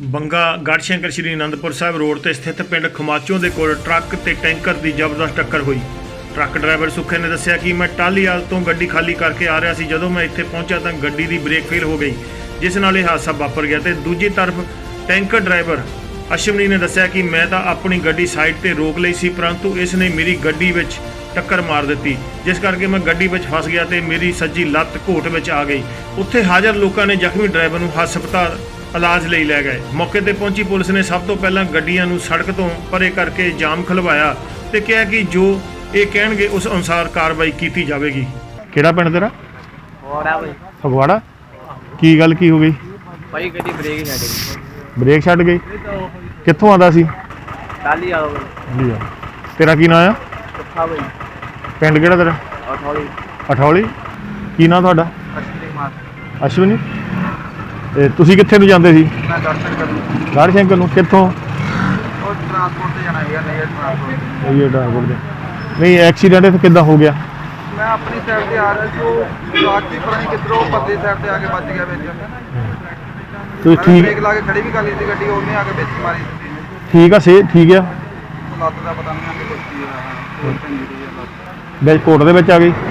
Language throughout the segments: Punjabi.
ਬੰਗਾ ਗੜ੍ਹਸ਼ੰਕਰ ਸ਼੍ਰੀ ਅਨੰਦਪੁਰ ਸਾਹਿਬ ਰੋਡ ਤੇ ਸਥਿਤ ਪਿੰਡ ਖਮਾਚੋਂ ਦੇ ਕੋਲ ਟਰੱਕ ਤੇ ਟੈਂਕਰ ਦੀ ਜ਼ਬਰਦਸਤ ਟੱਕਰ ਹੋਈ। ਟਰੱਕ ਡਰਾਈਵਰ ਸੁੱਖੇ ਨੇ ਦੱਸਿਆ ਕਿ ਮੈਂ ਟਾਹਲੀਵਾਲ ਤੋਂ ਗੱਡੀ ਖਾਲੀ ਕਰਕੇ ਆ ਰਿਹਾ ਸੀ। ਜਦੋਂ ਮੈਂ ਇੱਥੇ ਪਹੁੰਚਿਆ ਤਾਂ ਗੱਡੀ ਦੀ ਬ੍ਰੇਕ ਫੇਲ ਹੋ ਗਈ, ਜਿਸ ਨਾਲ ਇਹ ਹਾਦਸਾ ਵਾਪਰ ਗਿਆ। ਤੇ ਦੂਜੀ ਤਰਫ ਟੈਂਕਰ ਡਰਾਈਵਰ ਅਸ਼ਵਨੀ ਨੇ ਦੱਸਿਆ ਕਿ ਮੈਂ ਤਾਂ ਆਪਣੀ ਗੱਡੀ ਸਾਈਡ ਤੇ ਰੋਕ ਲਈ ਸੀ, ਪਰੰਤੂ ਇਸ ਨੇ ਮੇਰੀ ਗੱਡੀ ਵਿੱਚ ਟੱਕਰ ਮਾਰ ਦਿੱਤੀ, ਜਿਸ ਕਰਕੇ ਮੈਂ ਗੱਡੀ ਵਿੱਚ ਫਸ ਗਿਆ ਤੇ ਮੇਰੀ ਸੱਜੀ ਲੱਤ ਘੋਟ ਵਿੱਚ ਆ ਗਈ। ਉੱਥੇ ਹਾਜ਼ਰ ਲੋਕਾਂ ਨੇ ਜ਼ਖਮੀ ਡਰਾਈਵਰ ਨੂੰ ਹਸਪਤਾਲ ਇਲਾਜ ਲਈ ਲੈ ਗਏ। ਮੌਕੇ ਤੇ ਪਹੁੰਚੀ ਪੁਲਿਸ ਨੇ ਸਭ ਤੋਂ ਪਹਿਲਾਂ ਗੱਡੀਆਂ ਨੂੰ ਸੜਕ ਤੋਂ ਪਰੇ ਕਰਕੇ ਜਾਮ ਖਲਵਾਇਆ ਤੇ ਕਿਹਾ ਕਿ ਜੋ ਇਹ ਕਹਿਣਗੇ ਉਸ ਅਨੁਸਾਰ ਕਾਰਵਾਈ ਕੀਤੀ ਜਾਵੇਗੀ। ਕਿਹੜਾ ਪਿੰਡ ਤੇਰਾ? ਫਗਵਾੜਾ। ਕੀ ਗੱਲ ਕੀ ਹੋ ਗਈ? ਭਾਈ ਗੱਡੀ ਬ੍ਰੇਕ ਛੱਡ ਗਈ। ਬ੍ਰੇਕ ਛੱਡ ਗਈ? ਕਿੱਥੋਂ ਆਉਂਦਾ ਸੀ? ਟਾਹਲੀਵਾਲ। ਤੇਰਾ ਕੀ ਨਾਂ ਆ? ਸੁੱਖਾ ਭਾਈ। ਪਿੰਡ ਕਿਹੜਾ ਤੇਰਾ? ਅਠੌਲੀ। ਅਠੌਲੀ। ਕੀ ਨਾਂ ਤੁਹਾਡਾ? ਅਸ਼ਵਨੀ ਮਾਰ। ਅਸ਼ਵਨੀ। ਤੇ ਤੁਸੀਂ ਕਿੱਥੇ ਨੂੰ ਜਾਂਦੇ ਸੀ? ਮੈਂ ਗੜ੍ਹਸ਼ੰਕਰ ਨੂੰ। ਗੜ੍ਹਸ਼ੰਕਰ ਨੂੰ ਕਿੱਥੋਂ? ਉਹ ਟਰਾਂਸਪੋਰਟ ਤੇ ਜਾਣਾ ਹੈਗਾ, ਨਹੀਂ ਟਰਾਂਸਪੋਰਟ। ਇਹ ਟਰਾਂਸਪੋਰਟ ਦੇ। ਨਹੀਂ ਐਕਸੀਡੈਂਟ ਇੱਥੇ ਕਿੱਦਾਂ ਹੋ ਗਿਆ? ਮੈਂ ਆਪਣੀ ਸਾਈਡ ਤੇ ਆ ਰਿਹਾ ਸੀ, ਉਹ ਟਰੱਕ ਦੀ ਪਤਾ ਨਹੀਂ ਕਿੱਧਰੋਂ ਪਰਲੀ ਸਾਈਡ ਤੇ ਆ ਕੇ ਵੱਜ ਗਿਆ ਵਿੱਚ। ਤੁਸੀਂ ਠੀਕ? ਬ੍ਰੇਕ ਲਾ ਕੇ ਖੜੀ ਵੀ ਕਰ ਲਈ ਸੀ ਗੱਡੀ, ਉਹਨੇ ਆ ਕੇ ਵਿੱਚ ਮਾਰੀ। ਠੀਕ ਆ, ਠੀਕ ਆ। ਲੱਤ ਦਾ ਪਤਾ ਨਹੀਂ ਕਿ ਕੀ ਹੋਇਆ, ਚੰਗੀ ਦੀ ਲੱਤ ਵਿੱਚ ਕੋਟ ਦੇ ਵਿੱਚ ਆ ਗਈ।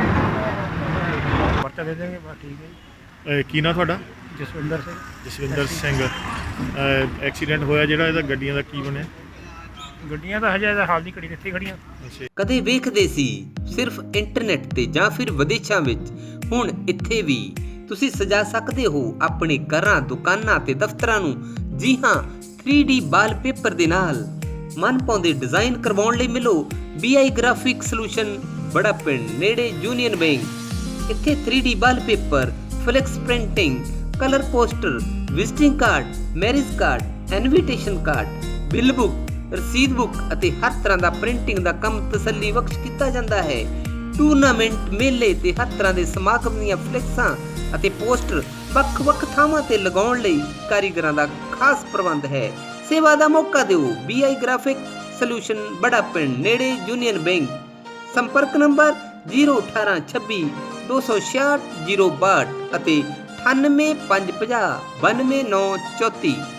ਪਰਚਾ ਦੇ ਦੇਣਗੇ, ਬਸ ਠੀਕ ਹੈ। ਕੀ ਨਾਂ ਤੁਹਾਡਾ? ਜਸਵਿੰਦਰ ਸਿੰਘ। ਜਸਵਿੰਦਰ ਸਿੰਘ। ਐਕਸੀਡੈਂਟ ਹੋਇਆ ਜਿਹੜਾ, ਇਹਦਾ ਗੱਡੀਆਂ ਦਾ ਕੀ ਬਣਿਆ? ਗੱਡੀਆਂ ਤਾਂ ਹਜੇ ਹਾਲ ਦੀ ਘੜੀ ਇੱਥੇ ਖੜੀਆਂ। ਕਦੇ ਵੇਖਦੇ ਸੀ ਸਿਰਫ ਇੰਟਰਨੈਟ ਤੇ ਜਾਂ ਫਿਰ ਵਿਦੇਸ਼ਾਂ ਵਿੱਚ, ਹੁਣ ਇੱਥੇ ਵੀ ਤੁਸੀਂ ਸਜਾ ਸਕਦੇ ਹੋ ਆਪਣੇ ਘਰਾਂ, ਦੁਕਾਨਾਂ ਤੇ ਦਫ਼ਤਰਾਂ ਨੂੰ। ਜੀ ਹਾਂ, 3D ਵਾਲਪੇਪਰ ਦੇ ਨਾਲ ਮਨ ਪਾਉਂਦੇ ਡਿਜ਼ਾਈਨ ਕਰਵਾਉਣ ਲਈ ਮਿਲੋ BI ਗ੍ਰਾਫਿਕ ਸੋਲੂਸ਼ਨ, ਬੜਾ ਪਿੰਡ ਨੇੜੇ ਯੂਨੀਅਨ ਬੈਂਕ। ਇੱਥੇ 3D wallpaper, flex printing, colour poster, visiting card, marriage card, invitation card, bill book, ਰਸੀਦ ਬੁੱਕ ਅਤੇ ਹਰ ਤਰ੍ਹਾਂ ਦਾ ਪ੍ਰਿੰਟਿੰਗ ਦਾ ਕੰਮ ਤਸੱਲੀ ਬਖਸ਼ ਕੀਤਾ ਜਾਂਦਾ ਹੈ। ਟੂਰਨਾਮੈਂਟ, ਮੇਲੇ ਤੇ ਹਰ ਤਰ੍ਹਾਂ ਦੇ ਸਮਾਗਮ ਦੀਆਂ ਫਲੈਕਸਾਂ ਅਤੇ ਪੋਸਟਰ ਵੱਖ-ਵੱਖ ਥਾਵਾਂ ਤੇ ਲਗਾਉਣ ਲਈ ਕਾਰੀਗਰਾਂ ਦਾ ਖਾਸ ਪ੍ਰਬੰਧ ਹੈ। ਸੇਵਾ ਦਾ ਮੌਕਾ ਦਿਓ। BI ਗ੍ਰਾਫਿਕ ਸੋਲੂਸ਼ਨ, ਬੜਾ ਪਿੰਡ ਨੇੜੇ ਯੂਨੀਅਨ ਬੈਂਕ। ਸੰਪਰਕ ਨੰਬਰ 01826 266 062 ਅਤੇ 98 550 92934।